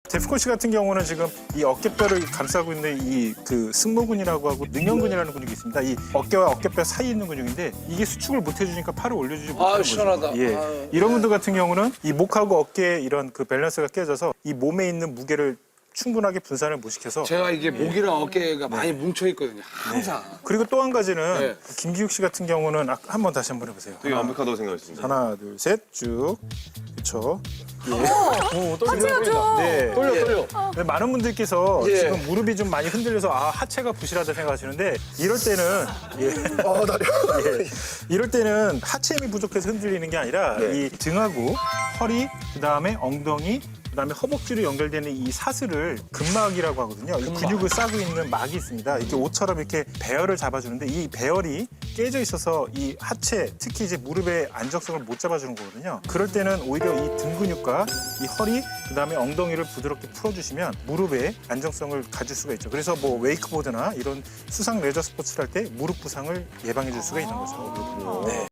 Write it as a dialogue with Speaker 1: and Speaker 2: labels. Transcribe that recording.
Speaker 1: 데프콘 씨 같은 경우는 지금 이 어깨뼈를 감싸고 있는 이 그 승모근이라고 하고 능형근이라는 근육이 있습니다. 이 어깨와 어깨뼈 사이에 있는 근육인데 이게 수축을 못 해주니까 팔을 올려주지 못하는 거죠.
Speaker 2: 시원하다.
Speaker 1: 예.
Speaker 2: 아유.
Speaker 1: 이런 분들 같은 경우는 이 목하고 어깨의 이런 그 밸런스가 깨져서 이 몸에 있는 무게를 충분하게 분산을 못 시켜서
Speaker 2: 제가 이게 목이랑 어깨가 많이 뭉쳐 있거든요. 항상.
Speaker 1: 그리고 또 한 가지는
Speaker 2: 네.
Speaker 1: 김기욱 씨 같은 경우는 한번 다시 한번 해보세요.
Speaker 3: 되게 완벽하다고 생각했습니다.
Speaker 1: 하나, 둘, 셋, 쭉. 그렇죠.
Speaker 4: 하체가 좀.
Speaker 1: 네.
Speaker 2: 떨려.
Speaker 1: 근데 많은 분들께서
Speaker 2: 예.
Speaker 1: 지금 무릎이 좀 많이 흔들려서 하체가 부실하다 생각하시는데 이럴 때는 이럴 때는 하체 힘이 부족해서 흔들리는 게 아니라 이 등하고 허리, 그다음에 엉덩이, 그다음에 허벅지로 연결되는 이 사슬을 근막이라고 하거든요. 이 근육을 싸고 있는 막이 있습니다. 이렇게 옷처럼 이렇게 배열을 잡아주는데 이 배열이 깨져 있어서 이 하체, 특히 이제 무릎의 안정성을 못 잡아주는 거거든요. 그럴 때는 오히려 이 등 근육과 이 허리, 그다음에 엉덩이를 부드럽게 풀어주시면 무릎의 안정성을 가질 수가 있죠. 그래서 뭐 웨이크보드나 이런 수상 레저 스포츠를 할 때 무릎 부상을 예방해 줄 수가 있는 거죠. 네.